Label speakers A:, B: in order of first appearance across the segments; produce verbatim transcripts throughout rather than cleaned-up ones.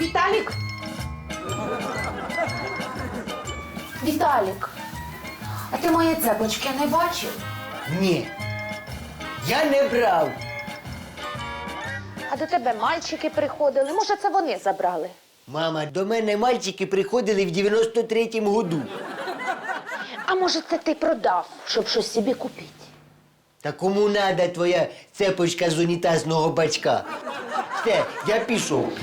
A: Віталік? Віталік, а ти мої цепочки не бачив?
B: Ні. Я не брав.
A: А до тебе мальчики приходили. Може, це вони забрали?
B: Мама, до мене мальчики приходили в дев'яносто третьому году.
A: А може, це ти продав, щоб щось собі купити?
B: Та кому надо твоя цепочка з унітазного бачка? Все, я пішов.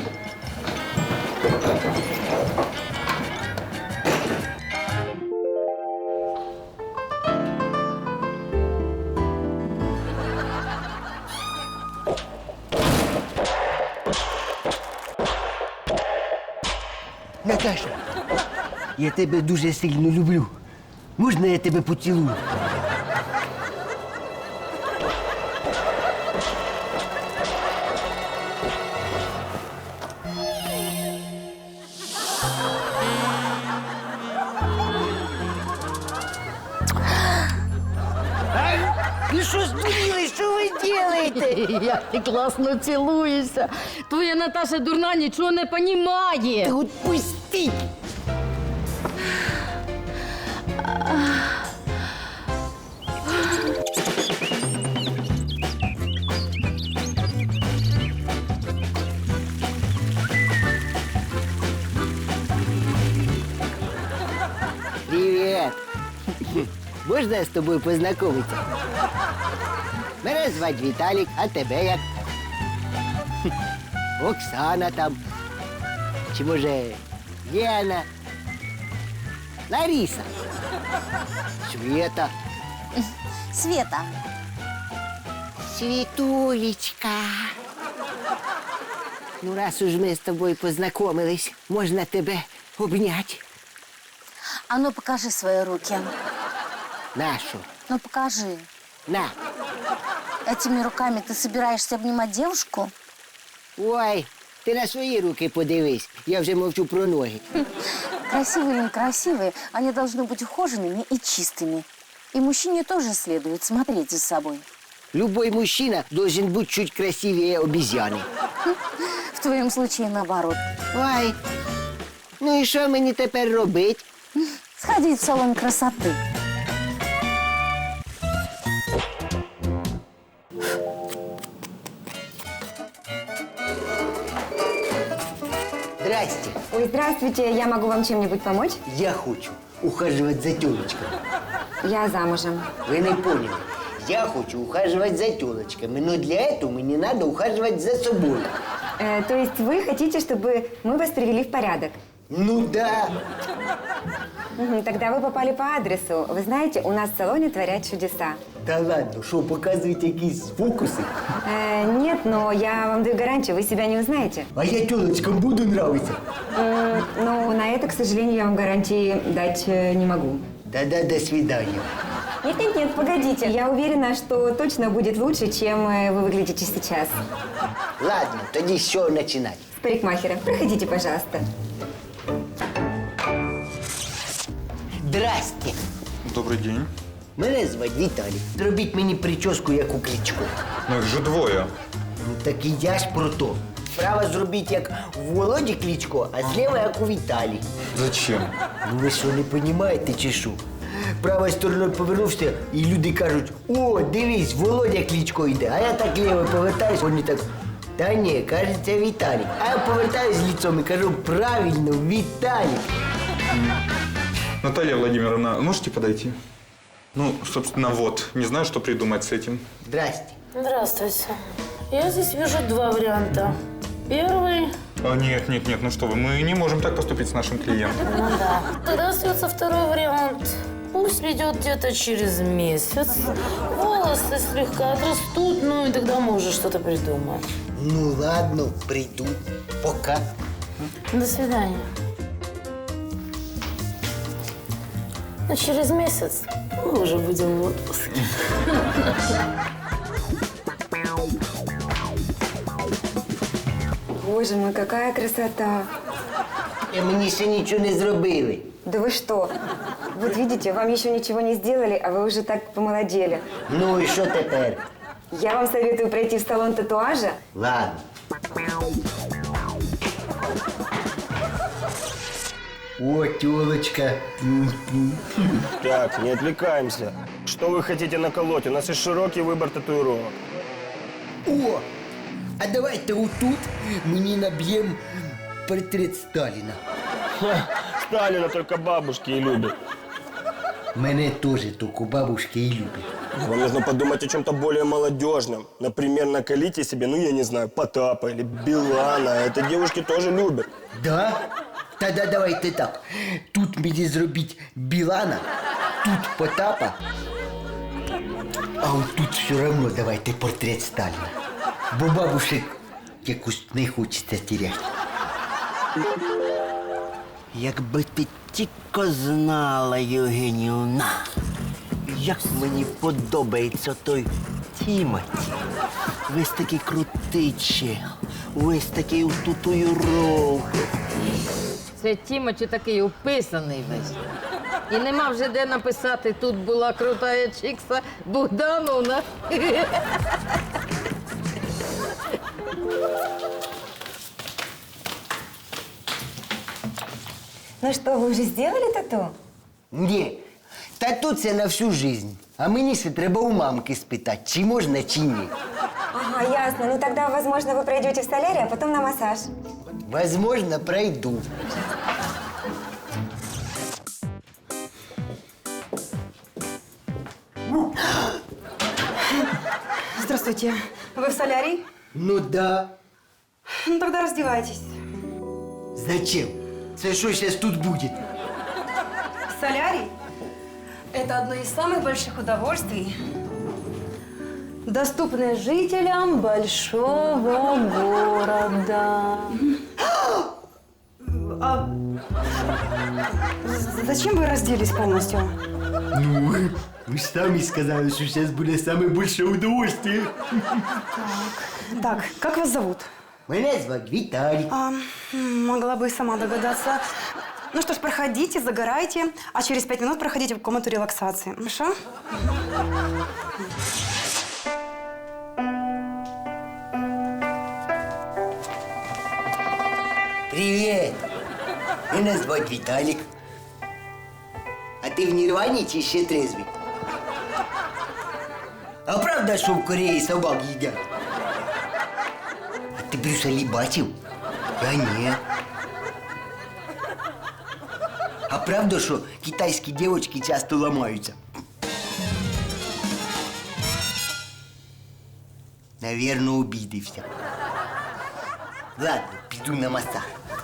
B: Наташа, я тебе дуже сильно люблю. Можна я тебе поцілую? Ви що здуріли? Що ви робите?
C: Як ти класно цілуєшся. Твоя Наташа дурна нічого не понімає.
B: Та отпустіть! Привіт! Можна я з тобою познайомитися? Мене звати Віталік, а тебе як? Оксана там. Чи може Лена? Лариса? Света?
D: Света.
B: Світулечка. Ну, раз уж ми з тобою познайомились, можна тебе обняти.
D: А ну покажи свои руки.
B: Нашу.
D: Ну покажи.
B: На.
D: Этими руками ты собираешься обнимать девушку?
B: Ой, ти на свої руки подивись. Я вже мовчу про ноги.
D: Красивые или некрасивые, они должны быть ухоженными и чистыми. И мужчине тоже следует смотреть за собой.
B: Любой мужчина должен бути чуть красивее обезьяни.
D: В твоем случае наоборот.
B: Ой, ну і що мені тепер робити?
D: Сходить в салон красоты.
B: Здрасте.
E: Ой, здравствуйте, я могу вам чем-нибудь помочь?
B: Я хочу ухаживать за тёлочками.
E: Я замужем.
B: Вы не поняли. Я хочу ухаживать за тёлочками, но для этого мне надо ухаживать за собой.
E: Э, то есть вы хотите, чтобы мы вас привели в порядок?
B: Ну да.
E: Мгм, тогда вы попали по адресу. Вы знаете, у нас в салоне творят чудеса.
B: Та ладно, що, показують якісь фокуси?
E: Э, нет, но я вам даю гарантию, вы себя не узнаете.
B: А я тёлочкам буду нравиться.
E: М, ну, на это, к сожалению, я вам гарантии дать э, не могу.
B: Да-да, до свидания.
E: Нет-нет-нет, погодите. Я уверена, что точно будет лучше, чем э, вы выглядите сейчас.
B: Ладно, тоді з чого починати?
E: С парикмахера. Проходите, пожалуйста.
B: Здрасте.
F: Добрий день.
B: Мене звати Віталій. Зробіть мені прическу, як у Кличко.
F: Ну їх же двоє.
B: Ну так і я ж про то. Справа зробіть, як у Володі Кличко, а зліва, як у Віталі.
F: Зачем?
B: Ну ви що, не розумієте чи що? Правою стороною повернувся, і люди кажуть: о, дивись, Володя Кличко йде. А я так ліво повертаюсь, вони так: та ні, кажеться, Віталій. А я повертаюсь лицом і кажу: правильно, Віталій.
F: Наталья Владимировна, можете подойти? Ну, собственно, вот. Не знаю, что придумать с этим.
B: Здрасте.
G: Здравствуйте. Я здесь вижу два варианта. Первый...
F: А, нет, нет, нет, ну что вы, мы не можем так поступить с нашим клиентом.
G: Ну да. Тогда остается второй вариант. Пусть придет где-то через месяц. Волосы слегка отрастут, ну и тогда мы уже что-то придумаем.
B: Ну ладно, прийду. Пока.
G: До свидания. Ну, через месяц мы уже будем в отпуске.
E: Боже мой, какая красота.
B: І мені ще нічого не зробили.
E: Да вы что? Вот видите, вам еще ничего не сделали, а вы уже так помолодели.
B: Ну і що тепер?
E: Я вам советую пройти в салон татуажа.
B: Ладно. О, тёлочка.
H: Так, не отвлекаемся. Что вы хотите наколоть? У нас есть широкий выбор татуировок.
B: О, а давайте отут мені наб'ємо портрет Сталіна.
H: Сталина только бабушки и любят.
B: Мене теж тільки бабушки і люблять.
H: Вам нужно подумать о чем-то более молодежном. Например, наколите себе, ну я не знаю, Потапа или Билана. Это девушки тоже любят.
B: Да? Тогда давайте так. Тут мені зробіть Білана, тут Потапа, а от тут все равно давайте портрет Сталіна. Бо бабушек якось не хочеться теряти.
I: Якби ти тільки знала, Євгенівна, як мені подобається той Тімоті. Весь такий крутий чел, весь такий у татуїровках.
C: Це Тімоті такий уписаний весь. І нема вже де написати, тут була крутая чикса Богдановна.
E: Ну что, вы уже сделали тату?
B: Ні, тату це на всю жизнь. А мені ще треба у мамки спитати, чи можна, чи ні.
E: Ага, ясно. Ну тогда, возможно, вы пройдете в солярий, а потом на массаж.
B: Возможно, пройду.
J: Здравствуйте. Вы в солярий?
B: Ну да.
J: Ну тогда раздевайтесь.
B: Зачем? Це що зараз тут буде?
J: Солярий – это одно из самых больших удовольствий, доступное жителям большого города. А зачем вы разделись полностью?
B: Ну, ви ж самі сказали, що зараз буде саме більше удовольствие.
J: Так, как вас зовут?
B: Мене звати Віталій.
J: А, м, могла бы и сама догадаться. Ну что ж, проходите, загорайте, а через пять минут проходите в комнату релаксации. Хорошо?
B: Привіт! Мене звати Віталік. А ти в Нірвані чи ще трезвий? А правда, що в Кореї собак їдять? А ти Брюса Лі бачив? Я ні. А правда, що китайські дівчатки часто ламаються? Навірно, обідився. Ладно, піду на масаж.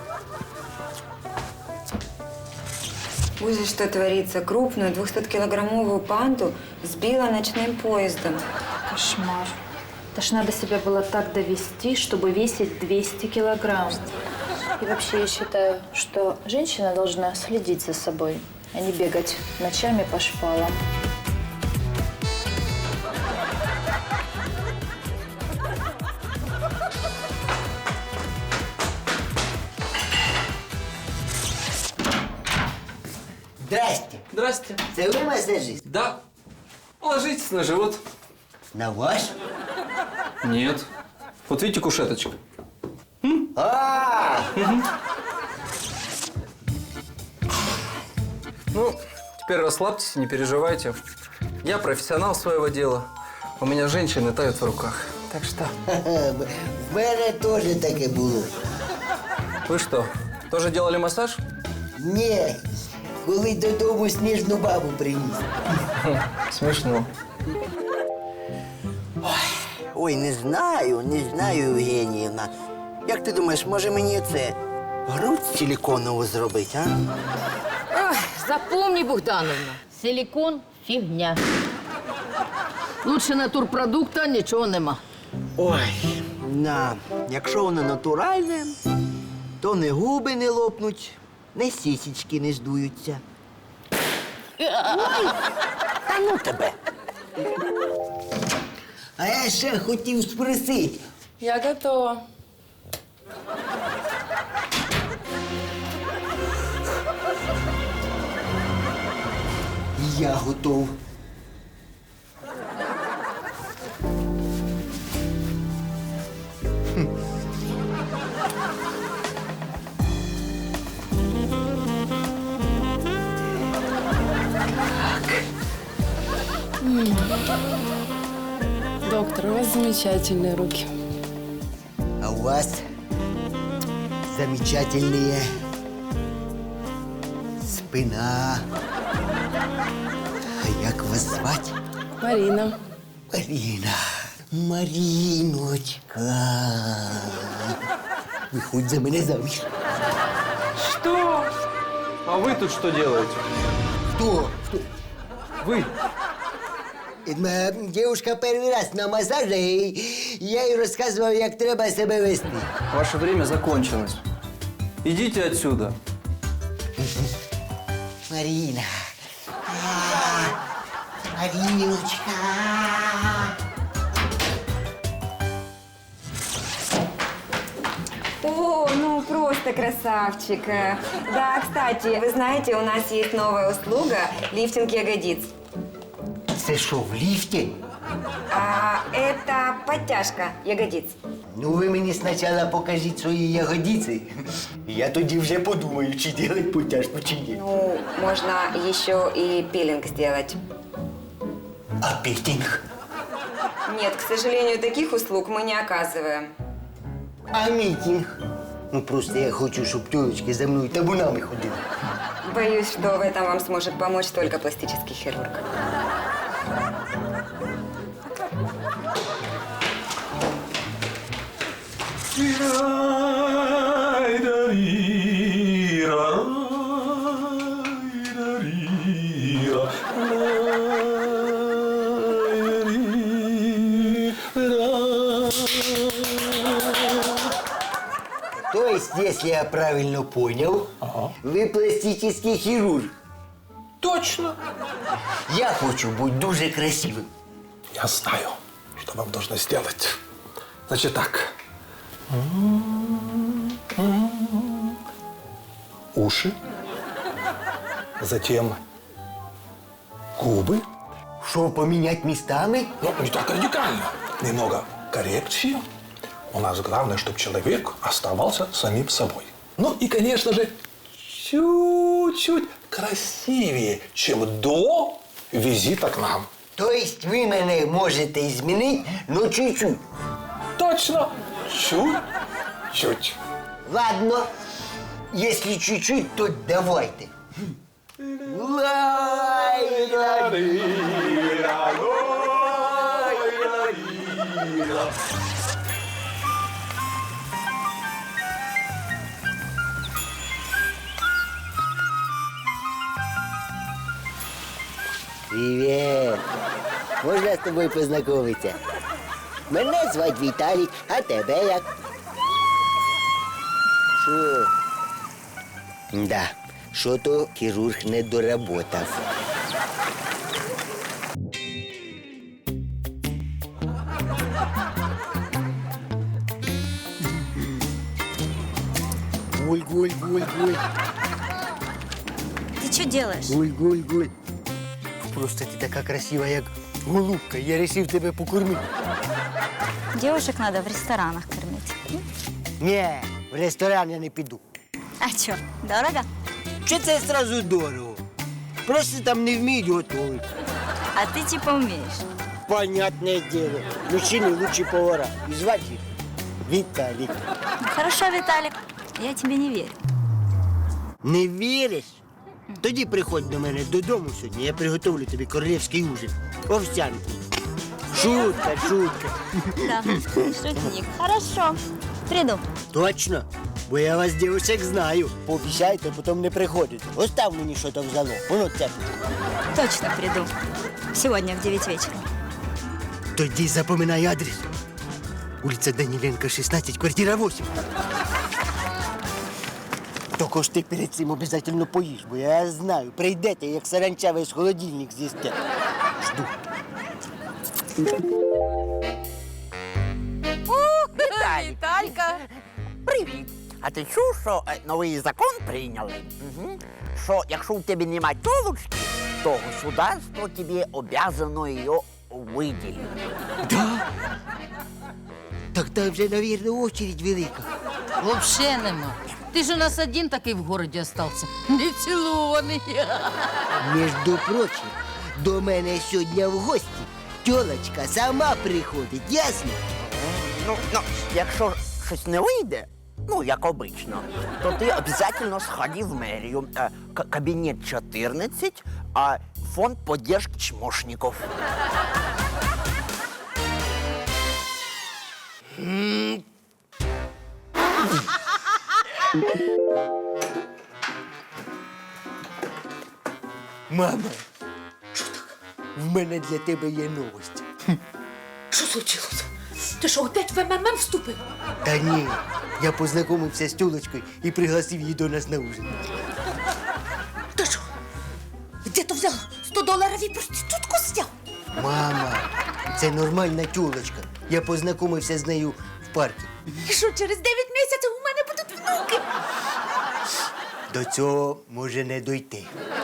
E: Ужас, что творится. Крупную двухсоткилограммовую панту сбила ночным поездом.
K: Кошмар. Это ж надо себя было так довести, чтобы весить двести килограмм. И вообще я считаю, что женщина должна следить за собой, а не бегать ночами по шпалам.
B: Здрасте.
L: Здрасте.
B: Це ви масажист?
L: Да. Ложитесь на живот.
B: На ваш?
L: Нет. Вот видите кушеточку?
B: А!
L: Ну, теперь расслабьтесь, не переживайте. Я профессионал своего дела. У меня женщины тают в руках. Так что...
B: В мене теж таке було.
L: Вы что, тоже делали массаж?
B: Ні, коли додому сніжну бабу приніс.
L: Смешно.
I: Ой, не знаю, не знаю, Євгенівна. Як ти думаєш, може мені це грудь силіконову зробити, а?
C: Ой, запомни, Богдановна, силикон – фігня. Лучше натурпродукта нічого нема.
I: Ой, на, якщо воно натуральне, то не губи не лопнуть, не сісічки не здуються. Ой, та ну тебе.
B: А я ще хотів спросити.
K: Я готова.
B: Я готов. Хм.
M: Доктор, у вас замечательные руки.
B: А у вас замечательные спина. А як вас звати?
M: Марина.
B: Марина. Мариночка. Виходь за мене заміж.
L: Что? А вы тут что делаете?
B: Хто? Хто?
L: Вы?
B: Моя дівчинка перший раз на масажі, і я їй розказував, як треба себе вести.
L: Ваше время закончилось. Идите отсюда.
B: Марина. А, Мариночка.
E: О, ну просто красавчик. Э, Да, кстати, вы знаете, у нас есть новая услуга – лифтинг ягодиц.
B: Це що, в ліфті?
E: А, это подтяжка ягодиц.
B: Ну, ви мені спочатку покажіть свої ягодиці. Я тоді вже подумаю, чи робити потяжку, чи ні.
E: Ну, можно еще и пилинг сделать.
B: А пілінг?
E: Нет, к сожалению, таких услуг мы не оказываем.
B: А мітінг? Ну, просто я хочу, щоб тёлочки за мною табунами ходили.
E: Боюсь, что в этом вам сможет помочь только пластический хирург.
B: То есть, если я правильно понял, вы пластический хирург.
N: Точно.
B: Я хочу быть дуже красивым.
N: Я знаю, что вам нужно сделать. Значит так. Уши. Затем губы.
B: Что, поменять местами?
N: Ну, не так радикально. Немного коррекции. У нас главное, чтобы человек оставался самим собой. Ну и, конечно же, чуть-чуть красивее, чем до визита к нам.
B: То есть вы меня можете изменить, но чуть-чуть?
N: Точно. Чуть-чуть.
B: Ладно. Если чуть-чуть, то давайте. Привет. Можна з тобою познайомитися? Мене звати Віталік, а тебе як? Що? Да, що-то хірург не доработав. Гуль, гуль, гуль, гуль.
D: Ты что делаешь?
B: Гуль, гуль, гуль. Просто ти така красива, як голубка. Я вирішив тебе покормити.
D: Девушек надо в ресторанах кормить.
B: Ні, в ресторан я не піду.
D: А что, дорого?
B: Чи це одразу дорого? Просто там не вміють готувати.
D: А ты типа умеешь.
B: Понятне діло. Мужчини лучші повара. І звати їх Віталік.
D: Ну, хорошо, Виталик, я тебе не верю.
B: Не віриш? Тоді приходь до мене додому сьогодні, я приготовлю тобі королівський ужин. Овсянку. Шутка, шутка.
D: Да, шутник. Хорошо, приду.
B: Точно? Бо я вас, дівчаток, знаю. Пообіцяйте, потім не приходите. Остав мені що там в залог. Воно це.
D: Точно приду. Сегодня в девять вечера.
B: Тоді запоминай адрес. Улиця Даніленка, шістнадцять, квартира вісім. Тільки ж ти перед цим обов'язково поїш, бо я знаю, прийдете, як саранча весь холодильник з'їсте. Жду.
O: Віталька! Привіт! А ти чув, що е, новий закон прийняли? Угу. Що якщо у тебе немає тілочки, то государство тобі обязано її виділити.
B: Да? Так там вже, мабуть, очередь велика.
C: Вообще нема. Ти ж у нас один такий в городі остався. Не цілований.
B: Між прочим, до мене сьогодні в гості тілочка сама приходить, ясно?
O: Ну, ну, якщо щось не вийде, ну, як обично, то ти обов'язково сходи в мерію. Е, к- Кабінет чотирнадцять, а фонд поддержки чмошників.
B: Мама, в мене для тебе є новость.
A: Що случилось? Ти що, опять в ем ем ем вступив?
B: Та ні, я познайомився з тілочкою і пригласив її до нас на ужин.
A: Ти що? Де то взяв сто доларів і проститутку зняв?
B: Мама, це нормальна тілочка. Я познайомився з нею в парку.
A: І що, через дев'ять місяців у мене будуть внуки?
B: До цього може не дойти.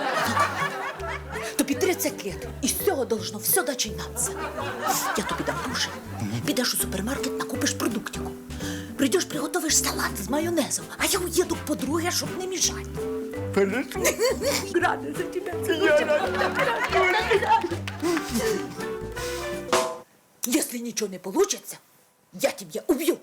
A: Тобі тридцять лет, і з цього должно все починатися. Я тобі дам гроші. Підеш у супермаркет, накупиш продуктику. Прийдеш, приготовиш салат з майонезом, а я уїду к подруге, щоб не мішати.
B: Хорошо.
A: Рада за тебе. Если ничего не получится, я тебя убью.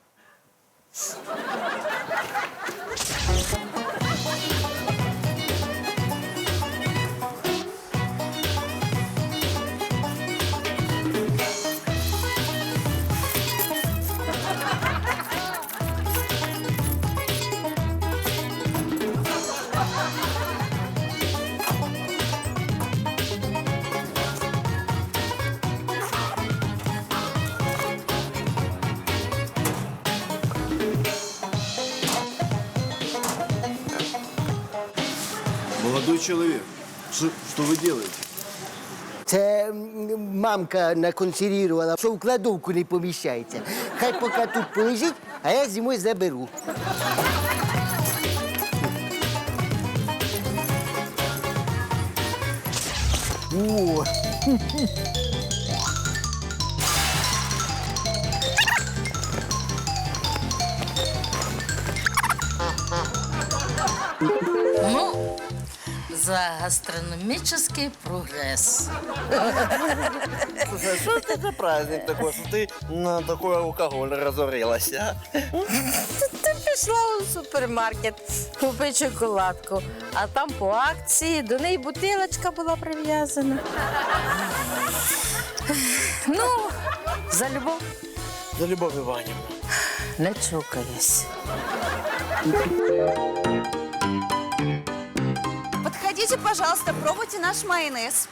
P: Молодой человек, что, что вы делаете?
B: Це м, мамка наконсервувала, що в кладовку не поміщається. Хай поки тут полежить, а я зимою заберу. О!
G: Ну, за гастрономический прогресс.
I: Слушай, а что это за праздник такой, что ты на такой алкоголь разорилась, а?
C: Ти пішла у супермаркет, купи шоколадку, а там по акції до неї бутилочка була прив'язана. Ну, за любов.
I: За Любовь Ивановна.
C: Не чокаюсь.
Q: Подходите, пожалуйста, пробуйте наш майонез.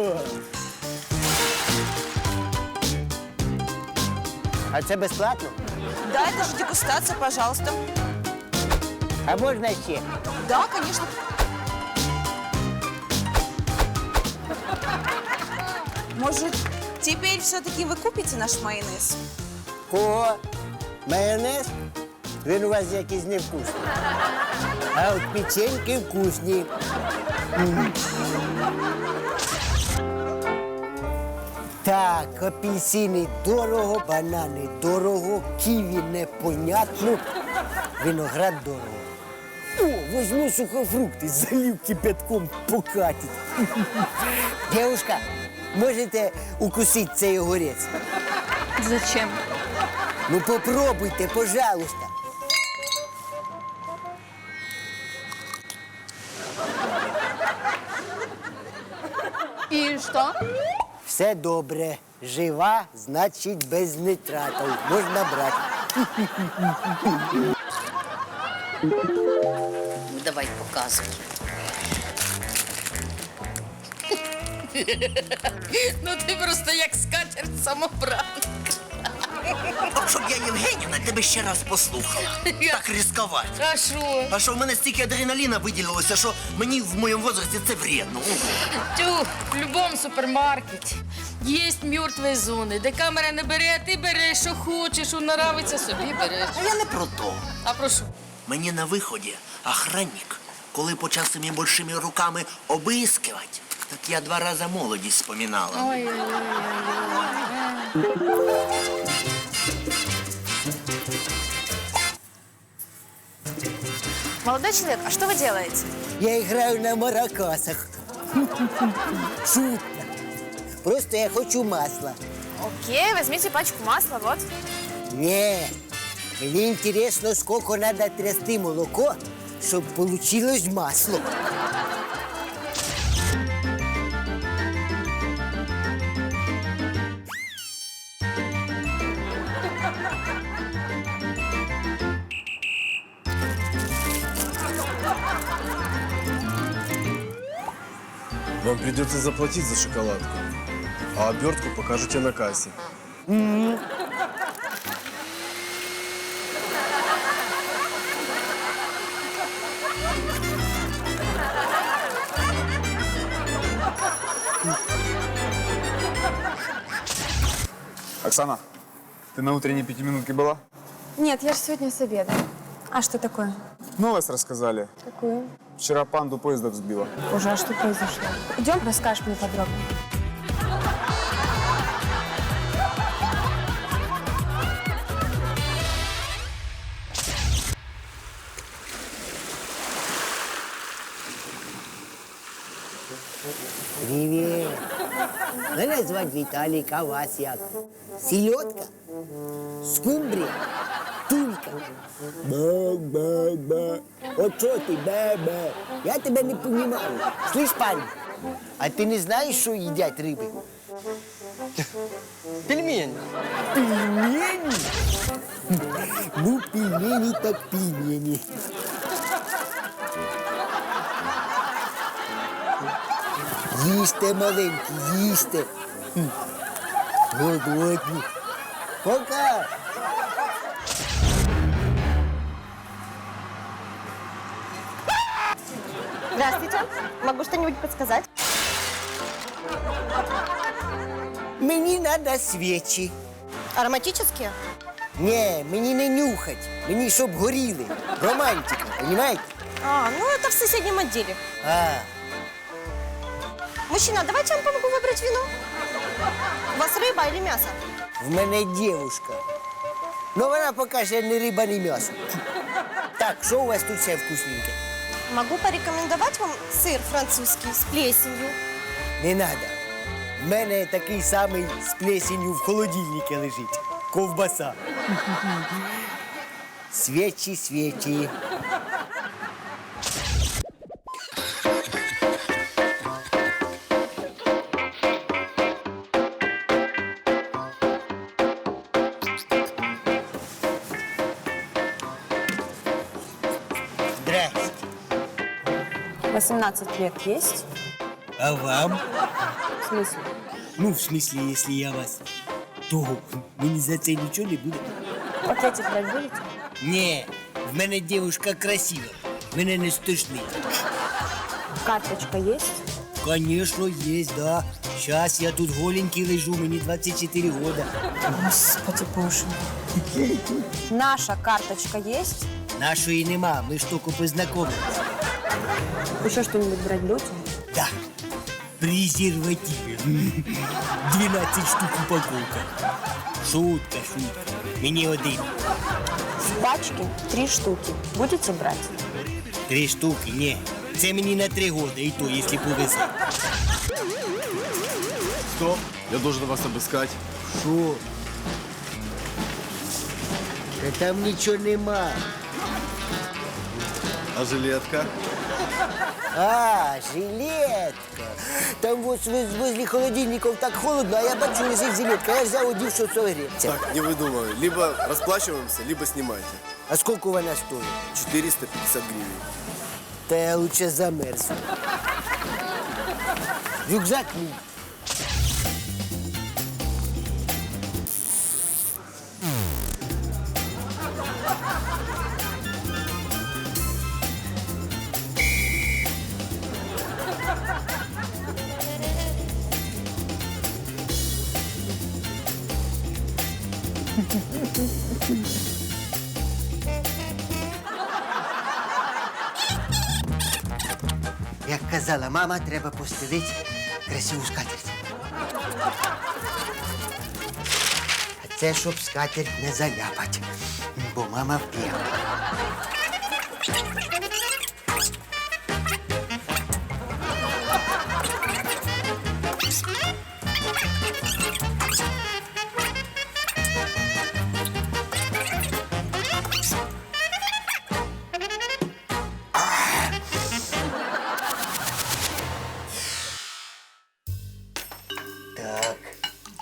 B: А це безплатно?
Q: Да, это же дегустация, пожалуйста.
B: А можна ще?
Q: Да, конечно. Может, теперь все-таки вы купите наш майонез?
B: О, майонез? Він у вас якийсь невкусний. А от печеньки вкусні. М. Так, апельсини дорого, банани дорого, ківі непонятно, виноград дорого. О, возьму сухофрукти, залив кипятком покатить. Девушка, можете укусити цей огурець?
K: Зачем?
B: Ну попробуйте, пожалуйста.
K: И что?
B: Все добре. Жива, значить без нитратів. Можна брати.
G: Давай, показуй. Ну ти просто як скатерть самобранка.
O: От щоб я, Євгенівна, тебе ще раз послухала. Так ризикувати.
G: А що?
O: А що в мене стільки адреналіна виділилося, що мені в моєму возрасті це вредно.
G: Тю, в будь-якому супермаркеті є мертві зони, де камера не бере, а ти береш, що хочеш, що нравиться, собі береш.
O: А я не про то.
G: А про що?
O: Мені на виході охранник, коли почав своїми большими руками обискивати, так я два рази молодість споминала.
Q: Молодой человек, а что вы делаете?
B: Я граю на маракасах. Шутка. Просто я хочу масла.
R: Окей, возьмите пачку масла, вот.
B: Не, мне интересно, сколько надо трясти молоко, чтобы получилось масло.
P: Вам придется заплатить за шоколадку, а обертку покажете на кассе.
B: М-м.
F: Оксана, ты на утренней пятиминутке была?
R: Нет, я же сегодня с обеда. А что такое?
F: Новость рассказали.
R: Какую?
F: Вчера панду поезда взбила.
R: Боже, а что произошло? Идем, расскажешь мне подробно.
B: Привет. Мене звати Віталік, а вас як? Сільотка? Скумбрія? Тулька? Ба-ба-ба. От що ти, ба-ба? Я тебе не понімаю. Слышь, парень, а ти не знаєш, що їдять риби?
H: Пельмени.
B: Пельмені? Ну, пельмені так пельмені. Їсте, маленькі, їсте. Хм. Голодні. Пока.
S: Здравствуйте. Могу что-нибудь подсказать?
B: Мені треба свічі.
S: Ароматические?
B: Ні, мені не нюхать. Мені щоб горіли. Романтика, розумієте?
S: А, ну это в соседнем отделе.
B: А,
S: Мужчина, давайте я вам помогу выбрать вино. У вас рыба или мясо?
B: в мене дівушка. Ну вона поки ще не риба, не м'ясо. Так, що у вас тут ще вкусненьке?
S: Могу порекомендовать вам сыр французский с плесенью.
B: Не надо. В мене такий самий з плесенью в холодильнику лежить. Ковбаса. Свічі, свічі. Здрасте.
S: восемнадцать лет есть?
B: А вам?
S: В смысле?
B: Ну, в смысле, если я вас, то мені за це нічого не буде.
S: Пакетик брать будете?
B: Ні, в мене дівчинка красива. Мене не стошнить.
S: Карточка есть?
B: Конечно, есть, да. Сейчас я тут голенький лежу, мені двадцять чотири года.
S: Господи боже. Наша карточка есть?
B: Нашої нема, ми ж тільки познайомились.
S: Еще что-нибудь брать будете?
B: Да. Презервативи. двенадцать штук упаковка. Шутка, шутка. Мені один.
S: С пачки три штуки. Будете брать?
B: Три штуки, ні. Це мені на три года, і то, якщо повезе.
P: Стоп, я должен вас обыскать.
B: Що? Та там нічого нема.
P: А жилетка?
B: А, жилетка. Там вот воз- возле холодильников так холодно, а я бачу, лежит жилетка. Я взял, одів, щоб согреться.
P: Так, не выдумывай. Либо расплачиваемся, либо снимайте.
B: А сколько вона стоїть?
P: четыреста пятьдесят гривен.
B: Та я лучше замерзну. Рюкзак мій. Як казала мама, треба постелити красиву скатерть. А це щоб скатерть не заляпать, бо мама вп'яла.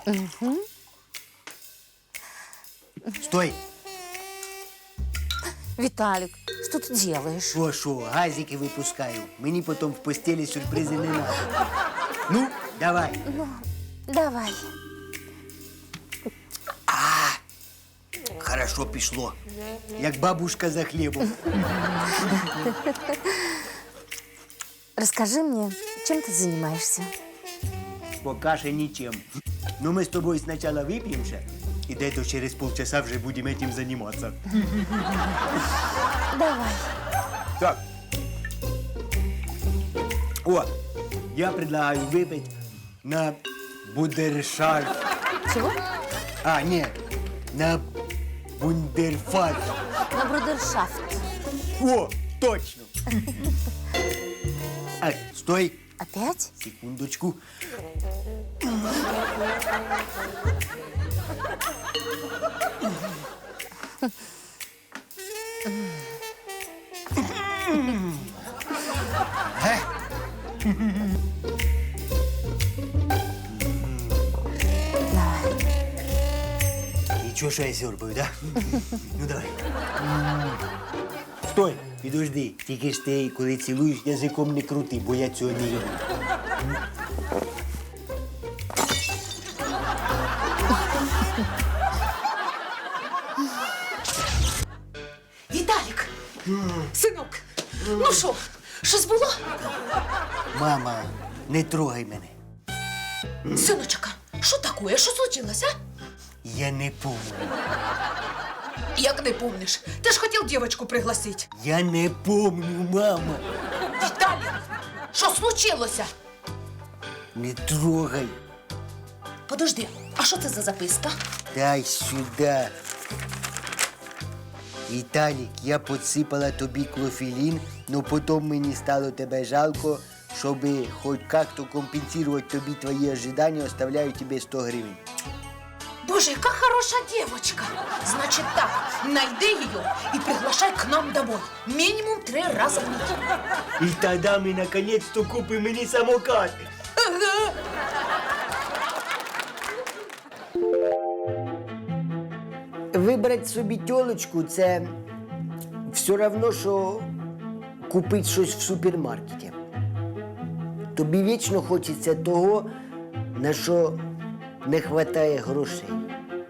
D: Угу.
B: Стой!
D: Виталик, что ты делаешь?
B: Шо, шо, газики випускаю. Мені потім в постелі сюрпризи не надо. Ну, давай.
D: Ну, давай.
B: Хорошо пішло. Як бабушка за хлібом.
D: Расскажи мне, чем ты занимаешься?
B: Пока що нічим. Ну, ми з тобою спочатку вип'ємося, і десь через полчаса вже будемо цим займатися.
D: Давай.
B: Так. О, я предлагаю выпить на бундершафт.
D: Чего?
B: А, нет, на бундерфальш.
D: На брудершафт.
B: О, точно. А, стой.
D: Опять?
B: Секундочку. Ничего, что я сёрбаю, да? Ну, давай. Стой, підожди. Тільки ж ти, коли цілуєш, язиком не крути, бо я цього не люблю.
A: Віталік! Синок! Ну що, щось було?
B: Мама, не трогай мене.
A: Синочка, що таке? Що случилось, а?
B: Я не помню.
A: Як не помниш? Ти ж хотів дівчинку пригласити.
B: Я не помню, мама.
A: Віталік, що случилося?
B: Не трогай.
A: Подожди, а що це за записка?
B: Дай сюда. Віталік, я підсипала тобі клофелін, но потім мені стало тебе жалко, щоб хоч як-то компенсувати тобі твої ожидання, оставляю тобі сто гривень.
A: Боже, яка хороша девочка. Значит так, найди ее и приглашай к нам домой. Минимум три раза в неделю.
B: І тоді ми наконец-то купимо мені самокат.
A: Ага.
B: Вибрати собі тьолочку – це все одно, що купити щось в супермаркеті. Тобі вічно хочеться того, на що не вистачає грошей.